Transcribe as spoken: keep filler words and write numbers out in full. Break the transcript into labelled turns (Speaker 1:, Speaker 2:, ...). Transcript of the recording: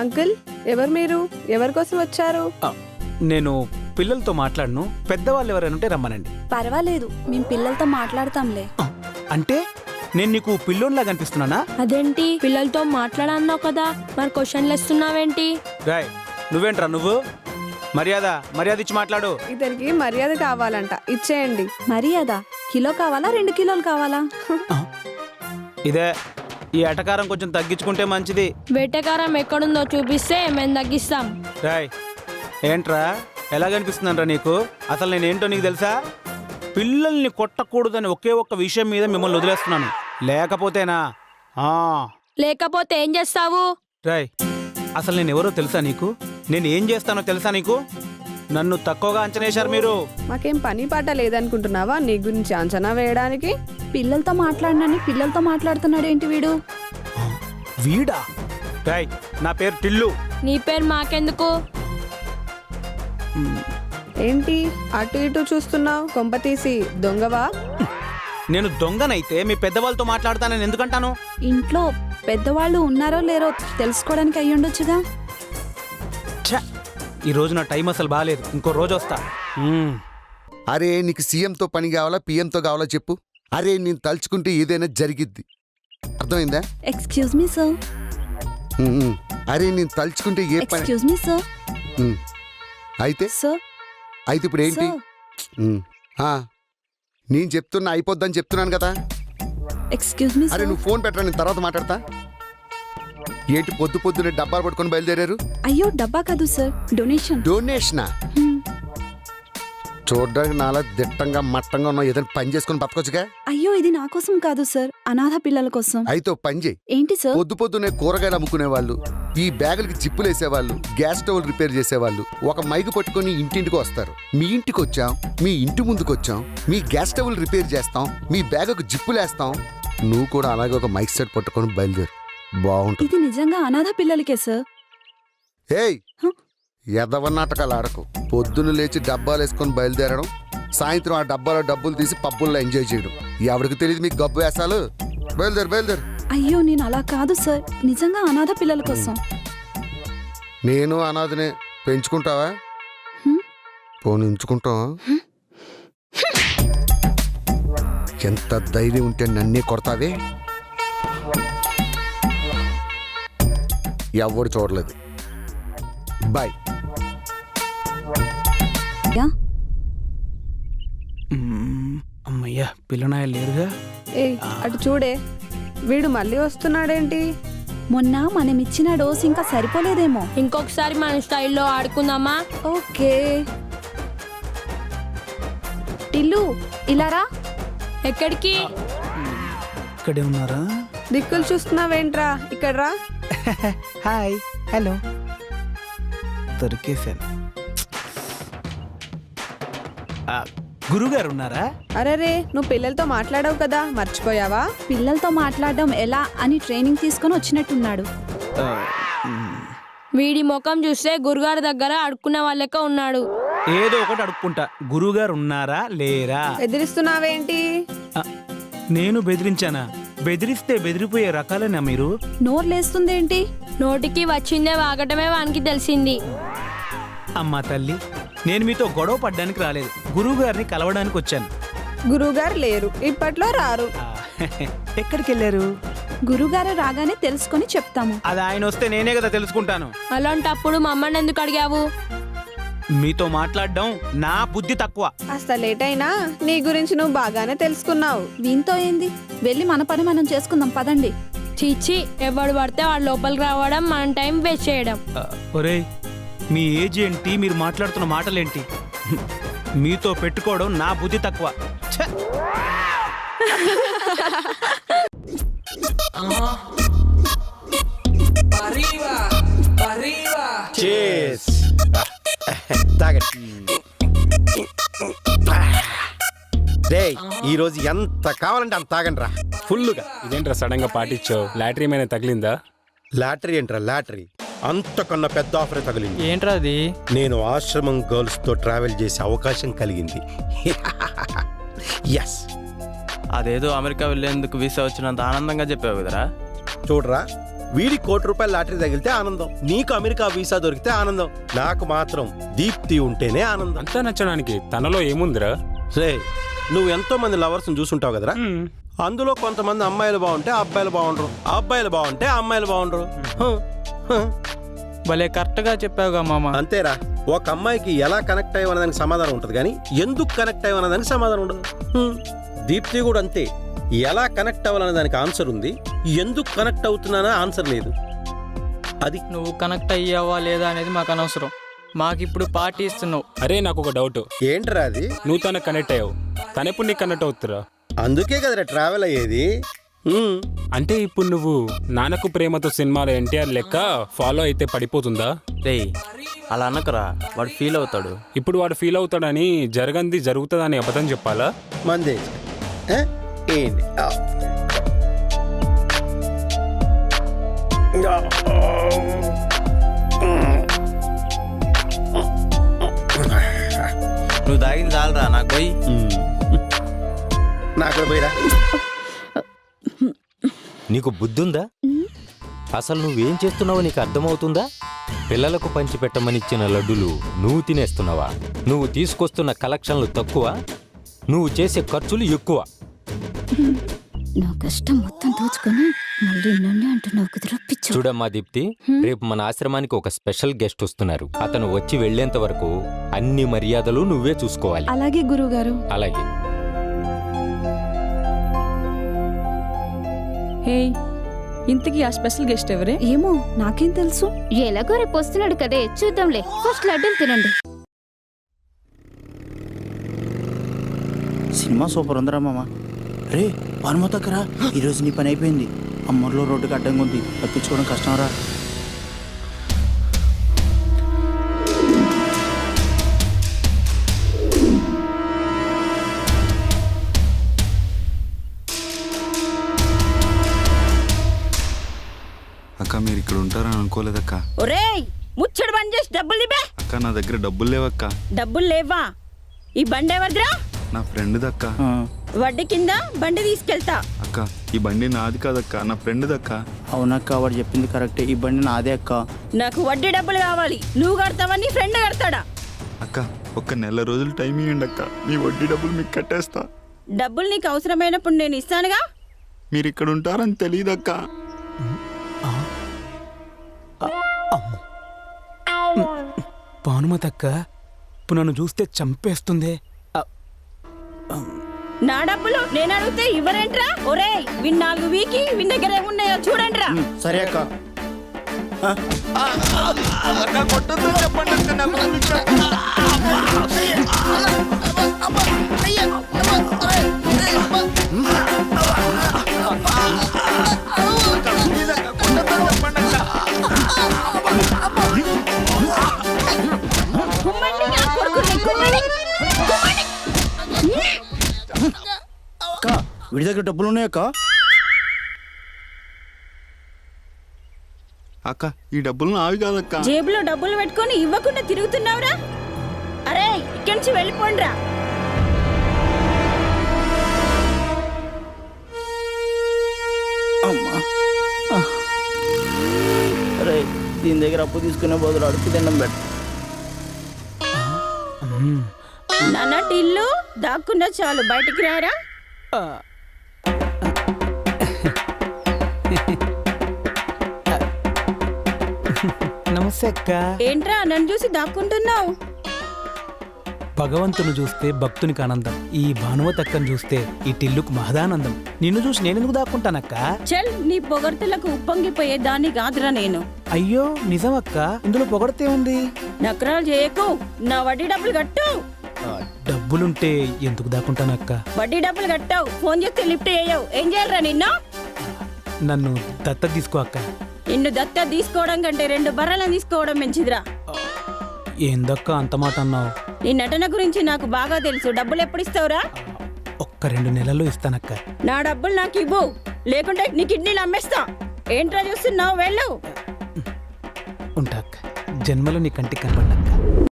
Speaker 1: Uncle, ఎవరు మీరు? ఎవరి కోసం వచ్చారు?
Speaker 2: నేను పిల్లలతో మాట్లాడను, పెద్దవాళ్ళు ఎవరైనా ఉంటే రమ్మనండి.
Speaker 3: పర్వాలేదు, మేము పిల్లలతో మాట్లాడతాంలే.
Speaker 2: అంటే నేను నీకు పిల్లోన్లా కనిపిస్తున్నానా?
Speaker 4: అదేంటి, పిల్లలతో మాట్లాడన్నావు కదా, మరి క్వశ్చన్లు ఇస్తున్నావేంటి?
Speaker 2: రాయ్, నువ్వేంట్రా నువ్వు? మర్యాద మర్యాద ఇచ్చి మాట్లాడు.
Speaker 1: ఇతనికి మర్యాద కావాలంట, ఇచ్చేయండి.
Speaker 3: మర్యాద కిలో కావాలా, రెండు కిలోలు కావాలా?
Speaker 2: ఇదే, ఈ ఎటకారం కొంచెం తగ్గించుకుంటే మంచిది.
Speaker 4: వేటకారం ఎక్కడుందో చూపిస్తే మేము తగ్గిస్తాం.
Speaker 2: రాయ్, ఏంట్రా ఎలా కనిపిస్తుందంట్రా నీకు? అసలు నేనేంటో నీకు తెలుసా? పిల్లల్ని కొట్టకూడదని ఒకే ఒక్క విషయం మీద మిమ్మల్ని వదిలేస్తున్నాను. లేకపోతేనా ఆ
Speaker 4: లేకపోతే ఏం చేస్తావు?
Speaker 2: రాయ్, అసలు నేను ఎవరో తెలుసా నీకు? నేను ఏం చేస్తానో తెలుసా నీకు? నన్ను తక్కువగా అంచనా వేశారు మీరు.
Speaker 1: మాకేం పని పాట లేదనుకుంటున్నావా నీ గురించి అంచనా వేయడానికి?
Speaker 3: పిల్లలతో మాట్లాడినని పిల్లలతో మాట్లాడుతున్నాడు ఏంటి వీడు?
Speaker 2: వీడా? రాయ్, నా పేరు టిల్లు.
Speaker 4: నీ పేరు మాకెందుకు?
Speaker 1: ఏంటి అటు ఇటు చూస్తున్నావు? కొంప తీసి దొంగవా?
Speaker 2: నేను దొంగనైతే మీ పెద్దవాళ్ళతో మాట్లాడతానని ఎందుకంటాను?
Speaker 3: ఇంట్లో పెద్దవాళ్ళు ఉన్నారో లేరో తెలుసుకోవడానికి అయ్యుండొచ్చుగా.
Speaker 2: ఛ, ఈ రోజు నా టైం అసలు బాగాలేదు, ఇంకో రోజు వస్తా. మ్మ్.
Speaker 5: అరే నీకు సీఎంతో పని కావాలా, పిఎంతో కావాలా చెప్పు. అరే నేను తలుచుకుంటే ఏదైనా జరిగిద్ది, అర్థమైందా?
Speaker 3: Excuse me sir.
Speaker 5: ఉమ్, అరే నేను తలుచుకుంటే ఏ పని.
Speaker 3: Excuse me sir.
Speaker 5: ఉమ్, అయితే
Speaker 3: సార్
Speaker 5: అయితే ఇప్పుడు ఏంటి? ఉమ్, ఆ, నేను చెప్తున్నా అయిపోద్దని చెప్తున్నాను కదా.
Speaker 3: ఎక్స్క్యూజ్ మీ
Speaker 5: అరే
Speaker 3: సార్.
Speaker 5: నువ్వు ఫోన్ పెట్టరా, నేను తర్వాత మాట్లాడతా. ఏంటి పొద్దు పొద్దునే డబ్బాలు పట్టుకొని బయలుదేరారు?
Speaker 3: అయ్యో డబ్బా కాదు సార్, డొనేషన్.
Speaker 5: డొనేషనా? చూడడానికి నాలా దిట్టంగా మట్టంగా ఉన్న ఏదైనా పని చేసుకుని బతకొచ్చుగా.
Speaker 3: అయ్యో ఇది నా కోసం కాదు సార్, అనాథ పిల్లల కోసం.
Speaker 5: అయితే ఓ పని చేయి.
Speaker 3: ఏంటి సార్?
Speaker 5: పొద్దు పొద్దునే కూరగాయలు అమ్ముకునే వాళ్ళు, ఈ బ్యాగులకి జిప్పులు వేసేవాళ్ళు, గ్యాస్ స్టవ్ రిపేర్ చేసేవాళ్ళు ఒక మైకు పట్టుకొని ఇంటింటికి వస్తారు. మీ ఇంటికి వచ్చాం, మీ ఇంటి ముందుకు వచ్చాం, మీ గ్యాస్ స్టవ్లు రిపేర్ చేస్తాం, మీ బ్యాగుకు జిప్పులు వేస్తాం. నువ్వు కూడా అలాగే ఒక మైక్ సెట్ పట్టుకొని బయలుదేరు, బాగుంటుంది.
Speaker 3: ఇది నిజంగా అనాథ పిల్లలకే సార్.
Speaker 5: ఏయ్ ఎదవ నాటకాలు ఆడకు. పొద్దున్న లేచి డబ్బాలు వేసుకొని బయలుదేరడం, సాయంత్రం ఆ డబ్బాలో డబ్బులు తీసి పబ్బుల్లో ఎంజాయ్ చేయడం. ఎవరికి తెలియదు మీకు గబ్బు వేసాలు. బయలుదేరు బయలుదేరు.
Speaker 3: అయ్యో నేను అలా కాదు సార్, నిజంగా అనాథ పిల్లల కోసం.
Speaker 5: నేను అనాథనే, పెంచుకుంటావా?
Speaker 3: హ్మ్?
Speaker 5: పోనీ ఉంచుకుంటావా? ఎంత ధైర్యం ఉంటే నన్నే కొడతావే. ఎవరు చూడలేదు. బాయ్.
Speaker 3: Yeah
Speaker 2: hmm. అమ్మయ్యా, పిల్లనాయలు లేరుగా.
Speaker 1: ఏ అటు చూడే, వీడు మళ్ళీ వస్తున్నాడేంటి?
Speaker 3: మొన్న మనం ఇచ్చిన డోస్ ఇంకా సరిపోలేదేమో.
Speaker 4: ఇంకొకసారి మన స్టైల్లో ఆడుకుందామా?
Speaker 3: ఓకే టిల్లు ఇలారా.
Speaker 4: ఎక్కడికి?
Speaker 2: ఇక్కడే ఉన్నారా?
Speaker 1: దిక్కులు చూస్తున్నావేంట్రా, ఇక్కడ రా.
Speaker 2: Hi, hello. దొరికేశాను. గురుగారు ఉన్నారా?
Speaker 1: అరేరే, నువ్వు పిల్లలతో మాట్లాడావు కదా, మర్చిపోయావా?
Speaker 3: పిల్లలతో మాట్లాడడం ఎలా అని ట్రైనింగ్ తీసుకొని వచ్చినట్టున్నాడు.
Speaker 2: ఆ, మ్మ్.
Speaker 4: వీడి ముఖం చూస్తే గురుగారి దగ్గర అడుక్కునే వాళ్ళక ఉన్నాడు.
Speaker 2: ఏదో ఒకటి అడుక్కుంటా. గురుగారు ఉన్నారా లేరా?
Speaker 1: ఎదిరిస్తున్నావేంటి?
Speaker 2: ఆ, నేను బెదిరించానా? బెదిరిస్తే బెదిరిపోయే రకాలేనా మీరు?
Speaker 3: నోరు లేస్తుందేంటి?
Speaker 4: నోటికి వచ్చిందే వాగటమే వానికి తెలిసింది.
Speaker 2: అమ్మా తల్లి, నేను మీతో గొడవ పడ్డానికి రాలేదు, గురువు గారిని కలవడానికి వచ్చాను.
Speaker 1: గురువుగారు లేరు, ఇప్పట్లో రారు.
Speaker 2: ఆ, ఎక్కడికి వెళ్ళారు?
Speaker 3: గురుగారు రాగానే తెలుసుకొని చెప్తాము.
Speaker 2: అది ఆయన వస్తే నేనే కదా తెలుసుకుంటాను.
Speaker 4: అలాంటప్పుడు మమ్మల్ని ఎందుకు అడిగావు?
Speaker 2: మీతో మాట్లాడడం నా బుద్ధి తక్కువ.
Speaker 1: కాస్త లేట్ అయినా నీ గురించి నువ్వు బాగానే తెలుసుకున్నావు.
Speaker 3: వీంతో ఏంది, వెళ్ళి మన పని మనం చేసుకుందాం పదండి.
Speaker 4: చీచి, ఎవడు పడితే వాడు లోపలికి రావడం, మన టైం వేస్ట్ చేయడం.
Speaker 2: ఆ, ఒరేయ్, మీ ఏజ్ ఏంటి, మీరు మాట్లాడుతున్న మాటలేంటి? మీతో పెట్టుకోవడం నా బుద్ధి తక్కువ. ఛ!
Speaker 6: రేయ్, ఈ రోజు ఎంత కావాలంటే అంత తాగండి రా, ఫుల్లుగా.
Speaker 7: ఇదేంట్రా సడన్ గా పాటించావు? లాటరీ ఏమైనా తగిలిందా?
Speaker 6: లాటరీ ఏంట్రా లాటరీ, అంతకన్నా పెద్ద ఆఫర్ తగిలింది.
Speaker 7: ఏంట్రా అది?
Speaker 6: నేను ఆశ్రమం గర్ల్స్ తో ట్రావెల్ చేసే అవకాశం కలిగింది. ఎస్.
Speaker 8: అదేదో అమెరికా వెళ్ళేందుకు వీసా వచ్చినంత ఆనందంగా చెప్పావు కదరా.
Speaker 6: చూడరా, వీడి కోటి రూపాయల లాటరీ తగిలితే ఆనందం, నీకు అమెరికా వీసా దొరికితే ఆనందం, నాకు మాత్రం దీప్తి ఉంటేనే ఆనందం.
Speaker 7: అంతా నచ్చడానికి తనలో ఏముందిరా?
Speaker 6: రే, నువ్వు ఎంతో మంది లవర్స్ చూసుంటావు కదరా, అందులో కొంతమంది అమ్మాయిలు బాగుంటే అబ్బాయిలు బాగుండరు, అబ్బాయిలు బాగుంటే అమ్మాయిలు బాగుండరు. హ, హ.
Speaker 8: భలే కరెక్ట్గా చెప్పావుగా మామ.
Speaker 6: అంతేరా, ఒక అమ్మాయికి ఎలా కనెక్ట్ అయ్యవన్నదానికి సమాధానం ఉంటుంది కానీ ఎందుకు కనెక్ట్ అయ్యవన్నదానికి సమాధానం ఉండదు. హ్మ్. దీప్తి కూడా అంతే, ఎలా కనెక్ట్ అవ్వాలనే దానికి ఆన్సర్ ఉంది, ఎందుకు కనెక్ట్ అవుతున్నానా ఆన్సర్ లేదు. అది
Speaker 8: నువ్వు కనెక్ట్ అయ్యావా లేదా అనేది మాకు అనవసరం, మాకు ఇప్పుడు పార్టీ ఇస్తున్నావు.
Speaker 7: అరే నాకు ఒక డౌట్,
Speaker 6: ఏంట్రా అది?
Speaker 7: నువ్వు తనకు కనెక్ట్ అయ్యావు, తనెప్పుడు నీకు కనెక్ట్ అవుతురా?
Speaker 6: అందుకే కదరా ట్రావెల్ అయ్యేది. హ్మ్.
Speaker 7: అంటే ఇప్పుడు నువ్వు నాన్నకు ప్రేమతో సినిమాలో ఎన్టీఆర్ లెక్క ఫాలో అయితే పడిపోతుందా?
Speaker 9: రేయ్ అలా అనకరా, వాడు ఫీల్ అవుతాడు.
Speaker 7: ఇప్పుడు వాడు ఫీల్ అవుతాడని జరగంది జరుగుతుందని అబద్ధం చెప్పాలా?
Speaker 6: మందే ఏ? ఏంటి ఆ.
Speaker 9: నువ్వు తాగింది చాలరా, నాకు పోయి.
Speaker 6: హ్మ్. నాకు పోయిరా.
Speaker 10: నీకు బుద్ధుందా? అసలు నువ్వేం చేస్తున్నావో నీకు అర్థమవుతుందా? పిల్లలకు పంచిపెట్టమనిచ్చిన లడ్డులు నువ్వు తినేస్తున్నావా? నువ్వు తీసుకొస్తున్న కలెక్షన్లు తక్కువ, నువ్వు చేసే ఖర్చులు ఎక్కువ.
Speaker 3: నా కష్టం మొత్తం దోచుకొని మళ్ళీ నన్నే అంటున్నావు కుదిరా పిచ్చు.
Speaker 10: చూడమ్మా దీప్తి, రేపు మన ఆశ్రమానికి ఒక స్పెషల్ గెస్ట్ వస్తున్నారు. అతను వచ్చి వెళ్లేంత వరకు అన్ని మర్యాదలు నువ్వే చూసుకోవాలి.
Speaker 3: అలాగే గురువుగారు.
Speaker 10: అలాగే.
Speaker 11: హే, ఇంతకీ ఆ స్పెషల్ గెస్ట్ ఎవరే?
Speaker 3: ఏమో నాకేం తెలుసు.
Speaker 12: ఎలాగో రేపు వస్తున్నాడు కదే, చూద్దాంలే. ఫస్ట్ లడ్డూలు తినండి.
Speaker 9: సినిమా సూపర్ ఉందిరా మామ. రే పనుమతక్కరా, ఈరోజు నీ పని అయిపోయింది. అమ్మర్లో రోడ్డుకి అడ్డంగా ఉంది, తప్పించుకోవడం కష్టం రా.
Speaker 13: అక్క మీరు ఇక్కడ ఉంటారని అనుకోలేదక్క.
Speaker 4: ఒరేయ్ ముచ్చడు బంద్ చేసి డబ్బులు ఇవ్వే.
Speaker 13: అక్క నా దగ్గర డబ్బులు లేవక్క.
Speaker 4: డబ్బులు లేవా? ఈ బండి ఎవరిదిరా?
Speaker 13: నా ఫ్రెండ్ దక్క.
Speaker 4: వడ్డీ కింద బండి తీసుకెళ్తా.
Speaker 13: అక్క ఈ బండి నాది కాదక్క, నా ఫ్రెండ్ దక్క.
Speaker 9: అవునక్క, వాడు చెప్పింది కరెక్టే, ఈ బండి నాదే అక్క.
Speaker 4: నాకు వడ్డీ డబ్బులు కావాలి. నువ్వు కడతావా నీ ఫ్రెండ్ కడతాడా?
Speaker 13: అక్క ఒక్క నెల రోజులు టైం ఇవ్వండి అక్క, మీ వడ్డీ డబ్బులు మీకు కట్టేస్తా.
Speaker 4: డబ్బులు నీకు అవసరమైనప్పుడు నేను ఇస్తానుగా.
Speaker 13: మీరు ఇక్కడ ఉంటారని తెలియదక్క.
Speaker 2: భానుమతక్క ఇప్పుడు నన్ను చూస్తే చంపేస్తుంది.
Speaker 4: నా డబ్బులు నేను అడిగితే ఇవ్వరేంట్రా? ఒరేయ్ విన్ నాలుగు వీకి విన్ దగ్గర ఏమున్నాయో చూడండిరా.
Speaker 9: సరే అక్క. అక్క వీడి దగ్గర డబ్బులు ఉన్నాయక్క.
Speaker 13: అక్క ఈ డబ్బులు నావి కాదక్క.
Speaker 4: జేబులో డబ్బులు పెట్టుకొని ఇవ్వకుండా తిరుగుతున్నావురా? అరే ఇక్కడి నుంచి వెళ్ళిపోండిరా.
Speaker 9: అమ్మా, అరే దీని దగ్గర అప్పు తీసుకునే బదులు అడుపు తినడం పెట్ట.
Speaker 4: నాన్నటి ఇల్లు దాక్కున్నా చాలు, బయటికి రారా.
Speaker 2: నమస్తే అక్క.
Speaker 4: ఏంట్రా నన్ను చూసి దాక్కుంటున్నావు?
Speaker 2: భగవంతుని చూస్తే భక్తునికి ఆనందం, ఈ భానుమతక్కను చూస్తే ఈ టిల్లుకు మహదానందం. నిన్ను చూసి నేనెందుకు దాక్కుంటానక్క?
Speaker 4: చల్, నీ పొగడ్తలకు ఉప్పొంగిపోయే దాన్ని కాదురా నేను.
Speaker 2: అయ్యో నిజమక్క, ఇందులో పొగడితే ఉంది.
Speaker 4: నకరాలు చేయకు, నా వడ్డీ డబ్బులు కట్టు.
Speaker 2: డబ్బులుంటే ఎందుకు దాక్కుంటానక్క?
Speaker 4: వడ్డీ డబ్బులు కట్టావు, ఫోన్ చేస్తే లిఫ్ట్ చేయవు, ఏం చేయాలరా నిన్ను?
Speaker 2: నన్ను దత్త తీసుకో అక్క.
Speaker 4: నిన్ను దత్త తీసుకోవడం కంటే రెండు బర్రెలను తీసుకోవడం మంచిదిరా.
Speaker 2: ఏందక్క అంత మాట అన్నావు?
Speaker 4: నీ నటన గురించి నాకు బాగా తెలుసు. డబ్బులు ఎప్పుడు ఇస్తావురా?
Speaker 2: ఒక్క రెండు నెలల్లో ఇస్తానక్క.
Speaker 4: నా డబ్బులు నాకు ఇవ్వు, లేకుంటే నీ కిడ్నీలు అమ్మేస్తా. ఏంట్రా చూస్తున్నావు? వెళ్ళు.
Speaker 2: ఉంటా అక్క, జన్మలో నీ కంటికి కనపడ్డాక.